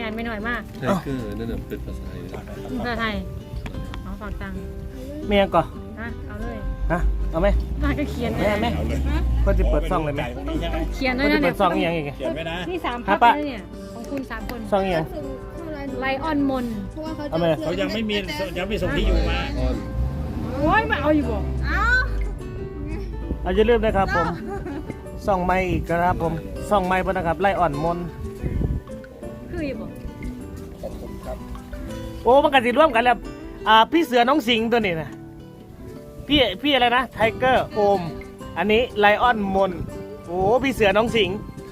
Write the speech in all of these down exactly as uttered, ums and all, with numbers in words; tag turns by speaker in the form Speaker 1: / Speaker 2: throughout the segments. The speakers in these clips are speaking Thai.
Speaker 1: ญ่ไม่น้อยมาก
Speaker 2: ใช่คือนั่นน่ะเป็นภาษาไทย
Speaker 1: ภาษาไทยเอาฝากตังค์
Speaker 3: เมียก่อน
Speaker 1: ฮะเอาเลย
Speaker 3: ฮะเอาไหม
Speaker 1: น่าก็เขียน
Speaker 3: แม่แม่ก็จะเปิดซองเลยไหม
Speaker 1: เขียนด้
Speaker 3: ก็
Speaker 1: วย
Speaker 3: จะ
Speaker 1: นะ
Speaker 3: เปิ
Speaker 1: เนี่ย
Speaker 3: ดซองอีกอย่างอีก
Speaker 4: เขียนไว้นะ
Speaker 1: นี่สาม
Speaker 3: ฮะ
Speaker 1: พัก
Speaker 3: ปะ
Speaker 1: แล้วเนี่ยของคุณสามคน
Speaker 3: ซองอีกอย่าง
Speaker 1: ไลออนมน
Speaker 5: เพราะว่าเขา
Speaker 3: เอาไหม
Speaker 4: เขายังไม่มียังไม่ส่งที่อยู่มา
Speaker 2: ออน
Speaker 1: โอ้ยมาเอาอยู่บ่
Speaker 5: เอ้า
Speaker 3: เอาจะเริ่มนะครับผมซองไม้อีกนะครับผมซองไม้ปะนะครับไล่อ่อนมน
Speaker 1: คืออยู่บ่
Speaker 2: ขอบคุณครับ
Speaker 3: โอ้มันกันสิร่วมกันแล้วอ่าพี่เสือน้องสิงห์ตัวนี้นะพี่พี่อะไรนะไทเกอร์โอมอันนี้ไลออนมนโอ้พี่เสือน้องสิงห์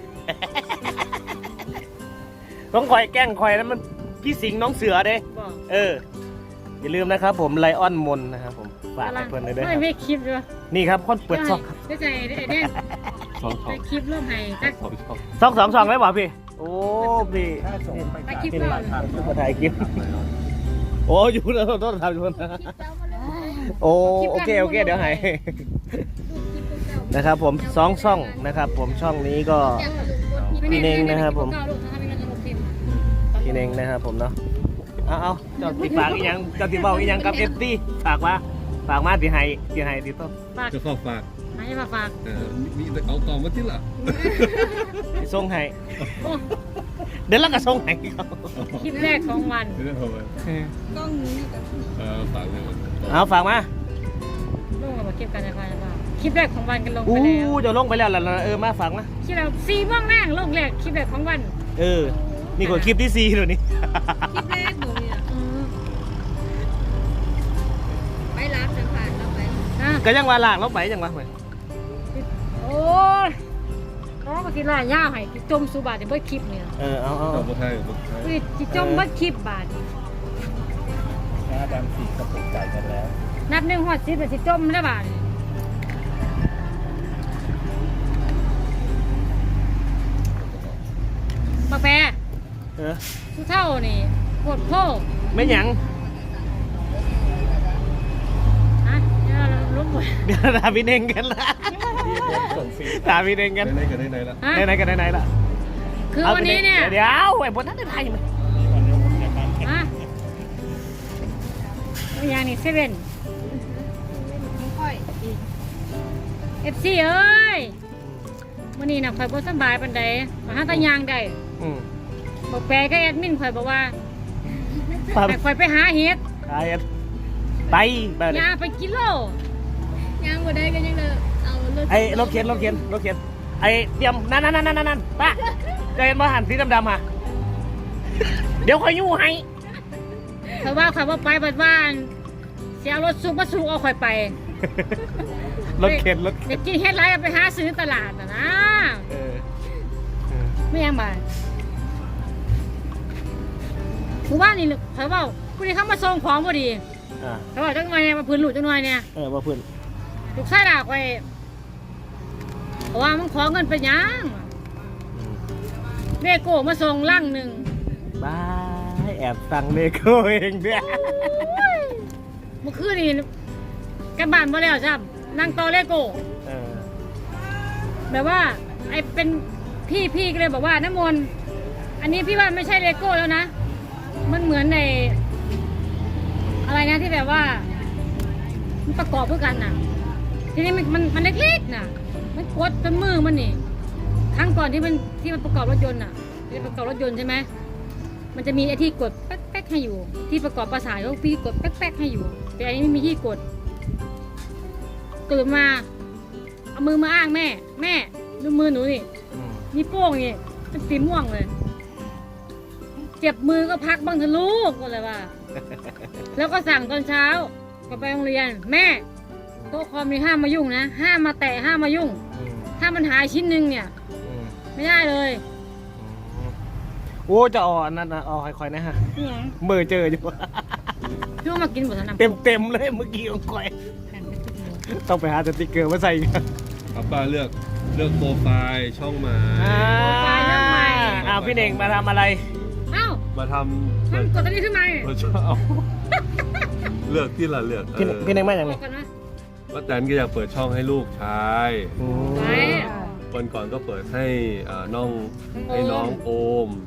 Speaker 3: ต้องคอยแกล้งคอยแล้วมันพี่สิงห์น้องเสือเด้
Speaker 1: บ่
Speaker 3: เอออย่าลืมนะครับผมไลออนมนนะครับผมฝากให้เพื่อนเลยด้วยค
Speaker 1: ไม่
Speaker 3: รับ
Speaker 1: ไม่คลิปด้วย
Speaker 3: นี่ครับคนเปิดซองครับ
Speaker 1: ได้ใจไอ้เนี่ย
Speaker 2: สองสอ
Speaker 1: ไป
Speaker 2: ง
Speaker 1: คลิปร่วมให้จัก
Speaker 2: สองสอง
Speaker 3: ซองสองซองได้ป่ะพี่โอ้พี่
Speaker 4: ถ้าส่งไป
Speaker 1: ไป
Speaker 4: จ่าย
Speaker 1: คลิป
Speaker 4: เป็น
Speaker 1: ร่ว
Speaker 4: ราม ยทาง
Speaker 3: มาถ่ายคลิปโอ้อยู่นะต้องทำอยู่นะโอ้โอเคโอเคเดี๋ยวให้นะครับผมสองช่องนะครับ ผมช่องนี้ก็ พี่เน่งนะครับผม พี่เน่งนะครับผมเนาะเอาเอาเจ้าติฝากอีกยังเจ้าติบอกอีกยังกับเอฟซีฝากมาฝากมาที่ให้ที่ให้ที่ต้น
Speaker 1: ฝาก
Speaker 2: จะฝากฝาก
Speaker 1: ให้มาฝาก
Speaker 2: เออมีแต่เอาต่อมาที่ละ
Speaker 3: ที่ส่งให้
Speaker 1: โอ้
Speaker 3: เดี๋ยวเราก็ส่งให้เขา
Speaker 1: คลิปแรกของวัน
Speaker 2: ไม่ได้ทำไม
Speaker 5: กล้องนี้อยู่กับ
Speaker 2: เออฝากเลย
Speaker 3: เอาฝากมา
Speaker 1: ลงกับคลิปกันนะพ่อนะคลิปแรกของวันกันลง
Speaker 3: อู้
Speaker 1: ไปแล้ว
Speaker 3: เดี๋ยวลงไปแล้วล่ะเออมาฝากมา
Speaker 1: คลิปเราสี่โมงแรกลงแรกคลิปแรกของวัน
Speaker 3: เออนี่ก็คลิปที่สี่เดี๋ยวนี้
Speaker 5: คลิปแรกหนูเนี่ย
Speaker 1: อืม
Speaker 5: ไปรับสัมผัสเราไป
Speaker 1: อ่ะ
Speaker 3: ก็ยังว่าลากลงไปยังวะเหมือน
Speaker 1: โอ้ยน้องก็สิล่าย่าให้สิจมสู่บาทในเบิดคลิปเนี่ย
Speaker 3: เออเอาเอา
Speaker 2: เอา
Speaker 3: เอา
Speaker 2: บทไทยบทไทย
Speaker 1: อุ้ยสิจมเบิดคลิปบาท
Speaker 4: นะดำสีกระปุกจ่ายกันแล้ว
Speaker 1: นับหนึ่งฮอดสิบเป็นสิจมแล้วบาทปากแปร
Speaker 3: เออ
Speaker 1: ทุเท่านี่ปวดโพก
Speaker 3: ไม่หยัง
Speaker 1: ฮะเดี๋ยวเราลุกหมด
Speaker 3: เดี๋ยวถามพี่เน่งกันละ
Speaker 4: ส่งฟรี
Speaker 3: ถามพี่เน่งกัน
Speaker 2: ได้ไหนกันได้ไหนละ
Speaker 1: ฮะ
Speaker 3: ไหนๆกันไหนๆละ
Speaker 1: คือวันนี้เนี่ย
Speaker 3: เดี๋ยวไอ้บนนั้นได้ไทยไหม
Speaker 4: มีวันนี้ผมจะการแข่ง
Speaker 1: ฮะตัวอย่างนี่เซเว่น
Speaker 5: ไม่ค่อย
Speaker 1: เอฟซีเอ้ยวันนี้นะข่อยบ่สำบายปานใดมาหาตายางได้
Speaker 3: อืม
Speaker 1: บอกแปลก็แอดมินข่อยบอกว่า
Speaker 3: ไป
Speaker 1: ให้ข่อยไปหาเห็ด
Speaker 3: ไปไปไปเลย
Speaker 1: ยาไปกิโล
Speaker 5: ยังบ่ได้ก็ยังเลยเอารถ
Speaker 3: ไอ้รถเข็นรถเข็นรถเข็นไอ้เตรียมนั่นนั่นนั่นนั่นนั่นป้าจะเห็นว่าหันสีดำๆอ่ะเดี๋ยวคอยยู่ให้
Speaker 1: ข่อยว่าข่อยว่าไปบัดว่าเสียรถสูบมาสูบเอาข่อยไป
Speaker 3: รถเข็นรถ
Speaker 1: เด็
Speaker 3: เข็น
Speaker 1: กกินเฮ็ดไรเอาไปหาซื้อตลาดน่ะนะ
Speaker 3: เออเออ
Speaker 1: ไม่ยังบ่าผู้ว่านี่ข่อยว่าผู้นี้เข้ามาส่งของพอดี
Speaker 3: อ่า
Speaker 1: เขาบอกจังหน่อยเนี่ยมาพื้นหลุดจังหน่อยเนี่ย
Speaker 3: เออว่าเพื่อน
Speaker 1: ลูกชายด่าข่อยเพราะว่ามันขอเงินไปหยัง
Speaker 3: อืม
Speaker 1: เลโก้มาส่งลังหนึ่ง
Speaker 3: บายแอบสั่งเลโก้เองเนี่ย
Speaker 1: เมื่อคืนนี่กันบ้านมาแล้วจ้ะนั่งต่อเลโก้
Speaker 3: เออ
Speaker 1: แบบว่าไอ้เป็นพี่พี่ก็เลยบอกว่าน้ำมนต์อันนี้พี่ว่าไม่ใช่เลโก้แล้วนะ มันเหมือนในอะไรนะที่แบบว่า มันประกอบเพื่อกันน่ะ ทีนี้มันมันมันเล็กๆน่ะ มันกดจนมือมันนี่ครั้งก่อนที่มันที่มันประกอบรถยนต์น่ะที่ประกอบรถยนต์ใช่ไหมมันจะมีไอ้ที่กดแป๊กๆให้อยู่ ที่ประกอบประสานก็พี่กดแป๊กๆให้อยู่ แต่อันนี้ไม่มีที่กดตื่นมาเอามือมาอ้างแม่ แม่ดูมือหนูนี่
Speaker 3: อืม
Speaker 1: นี่โป้งนี่เป็นสีม่วงเลย เจ็บมือก็พักบ้างเถอะลูกก็เลยว่า แล้วก็สั่งตอนเช้าก็ไปโรงเรียน แม่โต๊ะคอมนี่ห้ามมายุ่งนะห้ามมาแตะห้ามมายุ่ง
Speaker 3: อืม
Speaker 1: ถ้ามันหายชิ้นหนึ่งเนี่ย
Speaker 3: อืม
Speaker 1: ไม่ได้เลย
Speaker 3: อืมโอ้จะเอ่อนนั่นนะเอ่อค่อยๆนะฮะ
Speaker 1: นี่ไง
Speaker 3: เบอร์เจออยู่
Speaker 1: พี่ว่ามากินหมดทั้งน้ำ
Speaker 3: เต็มเต็มๆเลยเมื่อกี้ของค่อย ต้องไปหาสติ๊กเกอร์มาใส่กัน
Speaker 2: ป้าป้าเลือกเลือกโปรไฟล์ช่องใหม่
Speaker 3: อ่าอ้าวพี่เน่งมาทำอะไร
Speaker 1: เอ้า
Speaker 2: มาท
Speaker 1: ทำกดตัวนี้ขึ้นมา
Speaker 2: ำมาชอบเลือกที่ละเลือกเอ
Speaker 3: พี่
Speaker 2: อ
Speaker 3: พี่เน่งมาอย่าง
Speaker 1: บ
Speaker 3: ไร
Speaker 1: อกกันนะ
Speaker 2: ป้าแตนก็อยากเปิดช่องให้ลูกชาย
Speaker 3: อืม
Speaker 1: ไว้
Speaker 2: วันก่อนก็เปิดให้อ่าน้องให้น้องโอม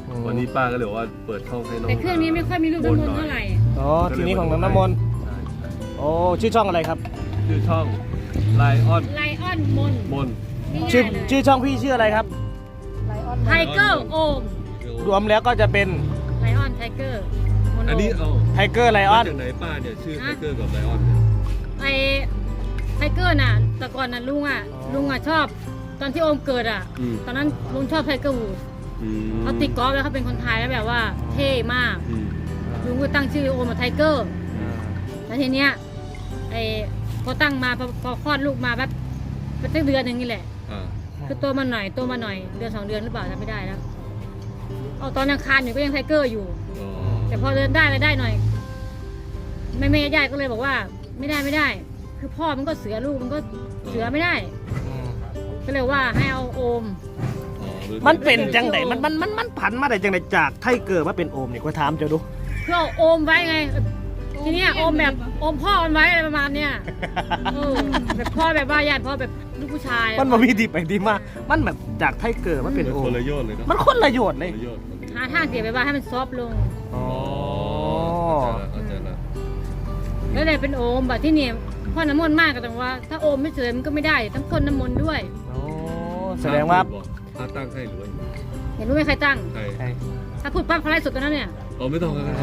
Speaker 3: ม
Speaker 2: วันนี้ป้าก็เลยบอกว่าเปิดช่องให้น้อง
Speaker 1: แต่เครื่องนี้ไม่ค่อยมีรูปน้ำมนต์เท่าไหร่
Speaker 3: อ๋อทีนี้ของน้องน้ำมนต์
Speaker 2: ใช่ใช่
Speaker 3: โอ้ชื่อช่องอะไรครับ
Speaker 2: ชื่อช่องไลออน
Speaker 1: ไลออนมน
Speaker 2: มน
Speaker 3: ชื่อชื่อช่องพี่ชื่ออะไรครับ
Speaker 1: ไทเกอร์โอม
Speaker 3: รวมแล้วก็จะเป็น
Speaker 1: ไลออนไทเกอร์โมโน
Speaker 2: อันนี้เอา
Speaker 3: ไทเกอร์ไลออน
Speaker 2: มาจากไหนป้าเนี่ยชื่อไทเกอร์กับไลออนเนี่ย
Speaker 1: ไอไทเกอร์น่ะแต่ก่อนน่ะลุงอ่ะลุงอ่ะชอบตอนที่โอมเกิดอ่ะ
Speaker 2: อืม
Speaker 1: ตอนนั้นลุงชอบไทเกอร์วูด
Speaker 2: อืม
Speaker 1: เขาติดกอล์ฟแล้วเขาเป็นคนไทยแล้วแบบว่าเท่มาก
Speaker 2: อืม
Speaker 1: ลุงก็ตั้งชื่อโอมว่าไทเกอร์แล้วทีเนี้ยไอพอตั้งมาพอพอคลอดลูกมาแบบเป็นสักเดือนหนึ่งนี่แหละ
Speaker 2: อ่า
Speaker 1: คือโตมาหน่อยโตมาหน่อยเดือนสองเดือนหรือเปล่าจำไม่ได้แล้วเอาตอนยังคานอยู่ก็ยังไทเกอร์อยู่
Speaker 2: อ๋อ
Speaker 1: แต่พอเดินได้แล้วได้หน่อยแม่แม่ญาติก็เลยบอกว่าไม่ได้ไม่ได้ คือพ่อมันก็เสือลูกมันก็เสือไม่ได้ ก็เลยว่าให้เอาโอม
Speaker 2: อ๋อ
Speaker 3: มันเป็นจังไดมันมันมันมันผันมาได้จังไดจากไทเกอร์มาเป็นโอมนี่ก็ถามเจ้าดู
Speaker 1: เพื่อเอาโอมไว้ไง ทีเนี้ยโอมแบบโอมพ่อมันไว้อะไรประมาณเนี้ยเออแบบพ่อแบบว่าญาติพ่อแบบลูกผู้ชาย
Speaker 3: มันมามีที่ไปที่มามันแบบจากไทเกอร์มาเป็น
Speaker 2: เป็น
Speaker 3: โอ
Speaker 2: ค
Speaker 3: ม
Speaker 2: นละโยชน์เลยเนาะ
Speaker 3: มันคนละโยชน์เลย
Speaker 2: คนละโยชน์
Speaker 1: หาทางเสียไปว่าให้มันซอฟต์ลง
Speaker 3: อ๋อ
Speaker 2: เข้าใจละ
Speaker 1: แล้วเลยเป็นโอมแบบที่เนี่ยพ่อน้ำมนต์มากก็ต้องว่า ถ้าโอมไม่สวยมันก็ไม่ได้ต้องพ่นน้ำมนต์ด้วย
Speaker 3: โอ้แสดงว่า
Speaker 2: พาตั้งให้หรือว่า
Speaker 1: เห็นรู้ไหมใครตั้ง
Speaker 2: ใคร
Speaker 3: ใช่
Speaker 1: ถ้าพูดปั๊บเขาไล่สดตัวนั้นเนี่ย
Speaker 2: อ๋อไม่ต้องครับ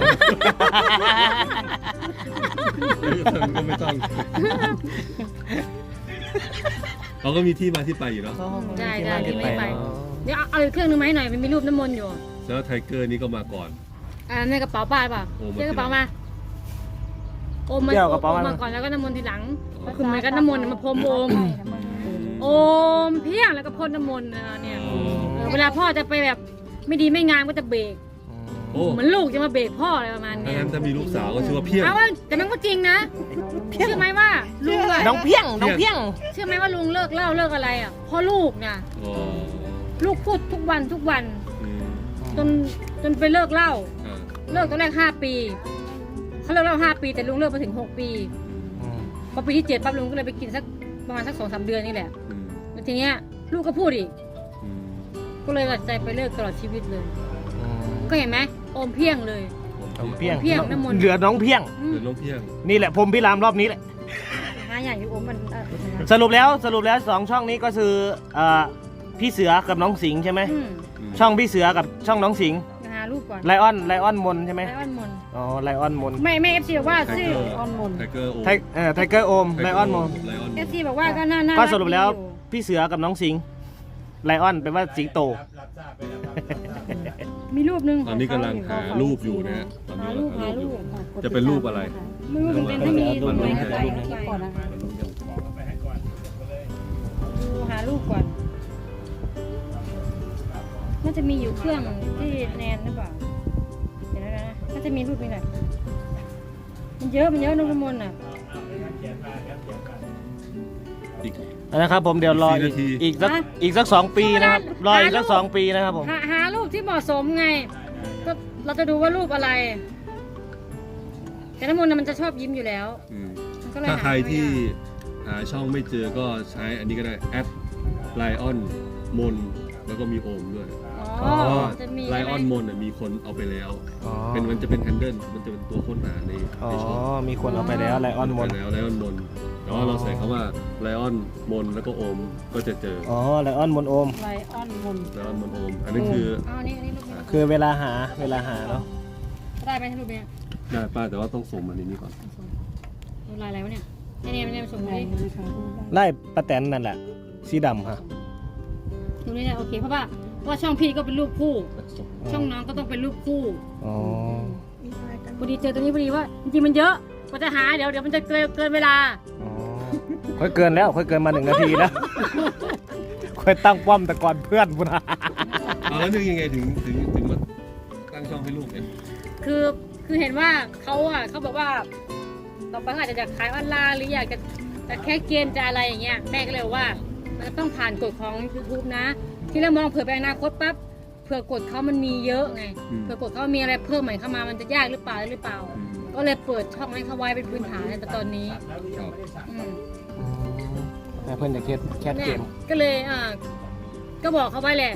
Speaker 2: ก็ไม่ต้องเขาก็มีที่มาที่ไปอยู่เนาะ
Speaker 1: ได้ได้ที่ไม่ไป เดี๋ยวเอาเอาอีกเครื่องนึงมาให้หน่อยมันมีรูปน้ำมนต์อยู่
Speaker 2: แล้วไทเกอร์นี่ก็มาก่อน
Speaker 1: อ่าในกระเป๋าป้าหรือเปล่า
Speaker 2: โอมมา
Speaker 1: เรียกกระเป๋ามาโอมมา
Speaker 3: เดี๋ยวกระเป๋า
Speaker 1: โอม
Speaker 3: มา
Speaker 1: มาก่อนแล้วก็น้ำมนต์ทีหลังก็คือเหมือนกันน้ำมนต์มาพรมโอมโอมเพียงแล้วก็พ่นน้ำมนต์นะเนี่ยเออเวลาพ่อจะไปแบบไม่ดีไม่งามก็จะเบรก
Speaker 2: โอ้
Speaker 1: เหมือนลูกจะมาเบรกพ่ออะไรประมาณ
Speaker 2: ถ้า
Speaker 1: เนี้ย
Speaker 2: งั้นถ้ามีลูกสาวก็ชื่อว่าเพี้ยง
Speaker 1: เอาว่าแต่มันก็จริงนะเชื่อไหมว่าลุงอะ
Speaker 3: น้องเพียงน้องเพียง
Speaker 1: เชื่อไหมว่าลุงเลิกเหล่าเลิกอะไรอ่ะเพราะลูกนะ
Speaker 2: อ๋อ
Speaker 1: ลูกพูดทุกวันทุกวัน
Speaker 2: อืม
Speaker 1: จนจนไปเลิกเหล้า
Speaker 2: อ่า
Speaker 1: เลิกตอนแรกห้าปีเขาเลิกเหล้าห้าปีแต่ลุงเลิกมาถึงหกปีพอปีที่เจ็ดปั๊บลุงก็เลยไปกินสักประมาณสักสองสามเดือนนี่แหละ
Speaker 2: อืม
Speaker 1: แล้วทีเนี้ยลูกก็พูดอีก
Speaker 2: อืม
Speaker 1: ก็เลยตัดใจไปเลิกตลอดชีวิตเลย ก็เห็นไหมโอมเพียงเลย
Speaker 3: น้องเพียง
Speaker 1: เพียงน้ำมนต์
Speaker 3: เหลือน้องเพียง
Speaker 1: อืม
Speaker 2: เดี๋ยวน้องเพี้ยง
Speaker 3: นี่แหละผมพิรามรอบนี้แหละ
Speaker 1: หาอย่างอยู่โอมมันเออ
Speaker 3: สรุปแล้วสรุปแล้วสองช่องนี้ก็คือเอ่อพี่เสือกับน้องสิงห์ใช่ไหม
Speaker 1: อืม
Speaker 3: ช่องพี่เสือกับช่องน้องสิงห์
Speaker 1: หารูปก่อน
Speaker 3: ไลออนไลออนมนใช่ไหม
Speaker 1: ไลออนมน
Speaker 3: อ๋อไลออนมน
Speaker 1: ไม่ไม่เอฟซีบอกว่า
Speaker 2: ไท
Speaker 1: ชื่อ
Speaker 2: เกอร์ไทเกอร์โอ
Speaker 3: ไทเอ่อไทเกอร์โอมไลออนมน
Speaker 2: ไลออน
Speaker 1: เอฟซีบอกว่าก็น่าน่า
Speaker 3: ก็
Speaker 1: รั
Speaker 3: สรุปแล้ว
Speaker 1: ดีอยู่
Speaker 3: พี่เสือกับน้องสิงห์ไลออนแปลว่าสิงโต
Speaker 1: มีรูปหนึง
Speaker 2: ตอนนี้กำลังหารูปอยู่นะฮะตอน
Speaker 1: หา
Speaker 2: นี้
Speaker 1: รูป
Speaker 2: กำลั
Speaker 1: หาง
Speaker 2: หารู
Speaker 1: รู
Speaker 2: ป
Speaker 1: ป
Speaker 2: อยู่จะเป็นรูปอะไร
Speaker 1: ไม่รู้มันเป็นถ้ามี
Speaker 3: รู
Speaker 1: รู
Speaker 3: ป
Speaker 1: ป
Speaker 3: ไห
Speaker 1: ไห
Speaker 3: น
Speaker 1: น
Speaker 3: ก็
Speaker 1: ก็
Speaker 3: ได้
Speaker 1: ใส่ก่อนนะคะ
Speaker 2: มันรู้ยัง
Speaker 1: ดูหารูปก่อนน่าจะมีอยู่เครื่องที่แนนหรือเปล่าเดี๋ยวนะน่าจะมีรูปนี้แหละมันเยอะมันเยอะนกมนต์อ่ะ
Speaker 2: อีก
Speaker 3: นะครับผมเดี๋ยวรอ
Speaker 2: สี่
Speaker 3: อีก
Speaker 2: นาที
Speaker 3: อีกสักอีกสักสองปีนะครับรออีกสักสองปีนะครับผม
Speaker 1: หาหารูปที่เหมาะสมไง ก็เราจะดูว่ารูปอะไร แต่น้ำมนต์น่ะมันจะชอบยิ้มอยู่แล้ว
Speaker 2: อืม
Speaker 1: มันก็เลย
Speaker 2: ถ้า
Speaker 1: หา
Speaker 2: ใคร
Speaker 1: ไม่
Speaker 2: ที่
Speaker 1: ยาก
Speaker 2: หาช่องไม่เจอก็ใช้อันนี้ก็ได้แอดไลออนมนแล้วก็มีโอมด้วย
Speaker 1: อ๋อ
Speaker 2: เพราะว่า
Speaker 1: จะมี
Speaker 2: ไล
Speaker 1: ใช่ไห
Speaker 2: อ
Speaker 1: ม
Speaker 2: อนมนมีคนเอาไปแล้ว
Speaker 3: อ๋อ
Speaker 2: เป็นมันจะเป็นแฮนเดิลมันจะเป็นตัวค้นหาใน
Speaker 3: อ๋อ
Speaker 2: ในช่อง
Speaker 3: มีคนเอาไปแล้วไลออนมน
Speaker 2: ไปแล้วไลออนมนแต่ว่าเราใส่คำว่าไลออนมนแล้วก็โอมก็จะเจอ
Speaker 3: อ๋อไลออนมนโอม
Speaker 1: ไลออนมน
Speaker 2: ไลออนมนโอม อันนี้คือ
Speaker 1: เอาอันนี้อันนี้รูปนี้
Speaker 3: คือเวลาหาเวลาหาเนาะ
Speaker 1: ได้ไหมรูปเนี้ย
Speaker 2: ได้ป้าแต่ว่าต้องส่งมาในนี้ก่อน
Speaker 1: รูปลายอะไรวะเนี่ยเนี่ยเนี่ยเนี่ยส่งมาดิ
Speaker 3: ไล่ป้าแตนนั่นแหละสีดำฮะ
Speaker 1: รูปนี้เนี่ยโอเคเพราะว่าเพราะว่าช่องพี่ก็เป็นรูปคู่ ช่องน้องก็ต้องเป็นรูปคู่
Speaker 3: อ๋อ
Speaker 1: พอดีเจอตัวนี้พอดีว่าจริงๆมันเยอะกว่าจะหาเดี๋ยวเดี๋ยวมันจะเกินเกินเวลา
Speaker 3: อ๋อค่อยเกินแล้วค่อยเกินมาหนึ่งนาทีแล้ว ค่อยตั้งป้อมแต่ก่อนเพื่อนพุ่นนะ
Speaker 2: เอาแล้วนึกยังไงถึงถึงถึงมาตั้งช่องให้ลูกเนี่ย
Speaker 1: คือคือเห็นว่าเขาอ่ะเขาบอกว่าต่อไปเขาอาจจะอยากขายออนไลน์หรืออยากจะแต่แค่เกมจะอะไรอย่างเงี้ยแม่ก็เลยบอกว่ามันจะต้องผ่านกฎของ ยูทูบ นะ ที่เรามองเผื่อไปอนาคตปั๊บเผื่อกฎเขามันมีเยอะไงเผื่อกฎเขามีอะไรเพิ่มใหม่เข้ามามันจะยากหรือเปล่าหรือเปล่า
Speaker 2: อืม
Speaker 1: ก็เลยเปิดช่องให้เขาไว้เป็นพื้นฐานในตอนนี้
Speaker 2: ครับ
Speaker 1: อืม
Speaker 3: แต่เพื่อนจะแคสแคสเก
Speaker 1: เนี่ย
Speaker 3: ม
Speaker 1: ก็เลยอ่าก็บอกเขาไว้แหละ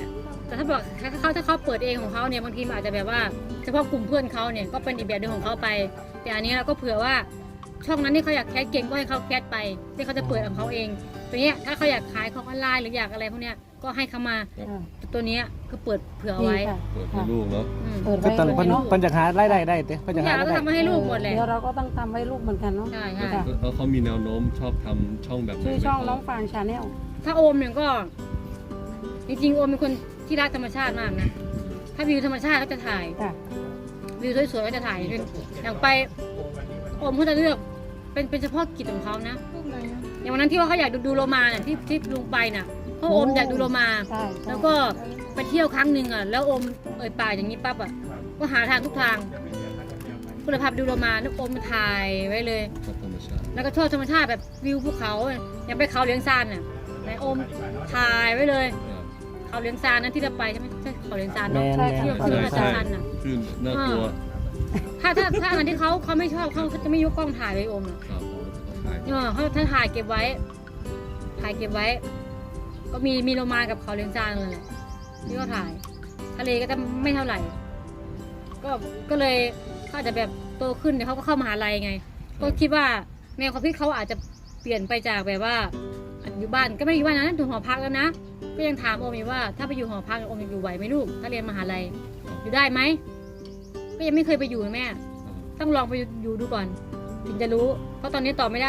Speaker 1: แต่ถ้าบอกถ้าเขาถ้าเขาเปิดเองของเขาเนี่ยบางทีมันอาจจะแบบว่าเฉพาะกลุ่มเพื่อนเขาเนี่ยก็เป็นอีกแบบหนึงของเขาไป แต่อันนี้เราก็เผื่อว่าช่องนั้นที่เขาอยากแคสเก่งก็ให้เขาแคสไปที่เขาจะเปิดของเขาเองตัวเนี้ยถ้าเขาอยากขายของออนไลน์หรืออยากอะไรพวกเนี้ยก็ให้เขามา
Speaker 2: ครับ
Speaker 1: ตัวเนี้ยก็เปิดเผื่อ
Speaker 6: ดี
Speaker 1: ไว้
Speaker 6: ค่ะ
Speaker 2: เปิดให้ลูกเนาะ
Speaker 1: อืม
Speaker 6: เปิด
Speaker 3: ก็
Speaker 6: ไว้
Speaker 3: ตอน
Speaker 6: เล
Speaker 3: เพิ่น
Speaker 6: ยเนาะ
Speaker 3: เพิ่นจะหารายได้ได้เด้เพิ่น
Speaker 1: ทุ
Speaker 3: จะ
Speaker 1: กอ
Speaker 3: หา
Speaker 1: ย่าง
Speaker 3: รา
Speaker 1: เรา
Speaker 3: ย
Speaker 1: ก็
Speaker 3: ได้
Speaker 1: ทำมาให้ลูกหมดแหละ
Speaker 6: เดี๋ยวเราก็ต้องทำให้ลูกเหมือนกันเนาะ
Speaker 1: ใช่ใช่
Speaker 6: ค่ะ
Speaker 2: แล้วเขามีแนวโน้มชอบทำช่องแบบไหน
Speaker 6: ชื่อ
Speaker 2: ไหม
Speaker 6: ช่อง
Speaker 2: ครับ
Speaker 6: น้องฟางชาแนล
Speaker 1: ถ้าโอมเนี่ยก็ จริงๆโอมเป็นคนที่รักธรรมชาติมากนะถ้าวิวธรรมชาติก็จะถ่าย
Speaker 6: ค่ะ
Speaker 1: วิวสวยๆก็จะถ่ายเป็นอย่างไปโอมเขาจะเลือกเป็นเป็นเฉพาะกิจของเขานะ
Speaker 5: รูปไหนอะ
Speaker 1: อย่างวันนั้นที่ว่าเขาอยากดูดูโลมาน่ะที่ที่ลุงไปน่ะเพราะโอมอยากดูโลมา
Speaker 6: ใช่ใช่
Speaker 1: แล้วก็ไปเที่ยวครั้งหนึ่งอ่ะแล้วโอมเอ่ยปากอย่างนี้ปั๊บอ่ะก็หาทางทุกทางก็เลยพาไปดูโลมาแล้วโอมมาถ่ายไว้เลย
Speaker 2: ชอบธรรมชาติ
Speaker 1: แล้วก็ชอบธรรมชาติแบบวิวภูเขาอย่างไปเขาเลี้ยงซานน่ะไหนโอมถ่ายไว้เลย
Speaker 2: ครับ
Speaker 1: เขาเลี้ยงซานนั้นที่เราไปใช่ไหมใช่เขาเลี้ยงซาน
Speaker 3: แม
Speaker 1: เนาะ
Speaker 3: น
Speaker 6: ใช่
Speaker 3: แม
Speaker 1: เที่ยวน เที่ยวอาจารย์ซันน่ะ
Speaker 2: ขึ้นน่ากลัว
Speaker 1: ถ้าถ้าถ้าอันที่เขาเขาไม่ชอบเขาจะไม่ยกกล้องถ่ายไว้โอมอ่ะ
Speaker 2: ครับผมเขาถ่าย
Speaker 1: เออเขาถ้าถ่ายเก็บไว้ ถ่ายเก็บไว้ ก็มีมีโลมากับเขาเลี้ยงจานเลยแหละที่เขาถ่าย ทะเลก็จะไม่เท่าไหร่ ก็ก็เลยเขาอาจจะแบบโตขึ้นเดี๋ยวเขาก็เข้ามหาลัยไง ก็คิดว่าแนวความคิดเขาอาจจะเปลี่ยนไปจากแบบว่าอยู่บ้านก็ไม่ได้อยู่บ้านนะอยู่หอพักแล้วนะ ก็ยังถามโอมอยู่ว่าถ้าไปอยู่หอพักโอมจะอยู่ไหวไหมลูก ถ้าเรียนมหาลัย อยู่ได้ไหม ก็ยังไม่เคยไปอยู่แม่ ต้องลองไปอยู่ดูก่อน ถึงจะรู้ เพราะตอนนี้ตอบไม่ได้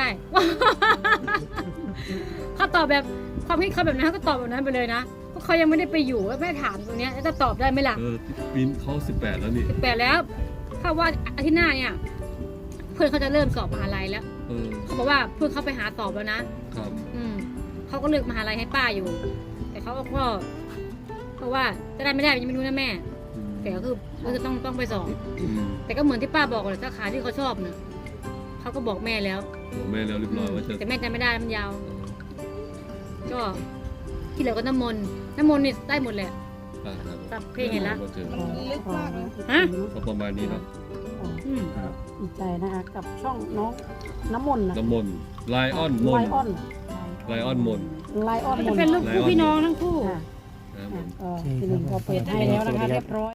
Speaker 1: เขาตอบแบบความคิดเขาแบบนั้นเขาก็ตอบแบบนั้นไปเลยนะเพราะเขายังไม่ได้ไปอยู่แล้วแม่ถามตรงเนี้ยแล้วจะตอบได้ไหมล่ะ
Speaker 2: เออปีนเขาสิบแปดแล้วนี่
Speaker 1: สิบแปดแล้วถ้าว่าอาทิตย์หน้าเนี่ย เพื่อนเขาจะเริ่มสอบมหาลัยแล้ว
Speaker 2: เออ
Speaker 1: เขาบอกว่าเพื่อนเขาไปหาสอบแล้วนะ
Speaker 2: ครับ
Speaker 1: อืมเขาก็เลือกมหาลัยให้ป้าอยู่ แต่เขาก็เพราะว่าจะได้ไม่ได้ยังไม่รู้นะแม่
Speaker 2: อืม
Speaker 1: แต่ก็คือก็คือต้องต้องไปสอบ
Speaker 2: อืม
Speaker 1: แต่ก็เหมือนที่ป้าบอกเลยสาขาที่เขาชอบนะเขาก็บอกแม่แล้ว
Speaker 2: บอกแม่แล้วเรียบร้อยว่าจะ
Speaker 1: แต่แม่จำไม่ได้มันยาว ก็ที่เหลือก็น้ำมนต์น้ำมนต์นี่ได้หมดแหละ
Speaker 2: อ่าครับ
Speaker 1: ตับเพลงเห็นละ
Speaker 2: ก็เจอ
Speaker 5: ลึกมากเลย
Speaker 1: ฮะ
Speaker 2: ก็ประมาณนี้เนาะ
Speaker 1: อืม
Speaker 6: ดีใจนะคะกับช่องน้องน้ำมนต์นะ
Speaker 2: น้ำมนต์ไลออนม
Speaker 6: ไล
Speaker 2: นต์
Speaker 6: ออน
Speaker 2: ไลออนมนต์
Speaker 6: ไลออนม
Speaker 1: จะ
Speaker 6: นต์
Speaker 1: เป็นลูกคู่พี่น้องทั้งคู่
Speaker 6: ค่ะ
Speaker 2: นะครับผม
Speaker 6: ก็ทีหนึ่งก็เปิดให้แล้วนะคะเรียบร้อย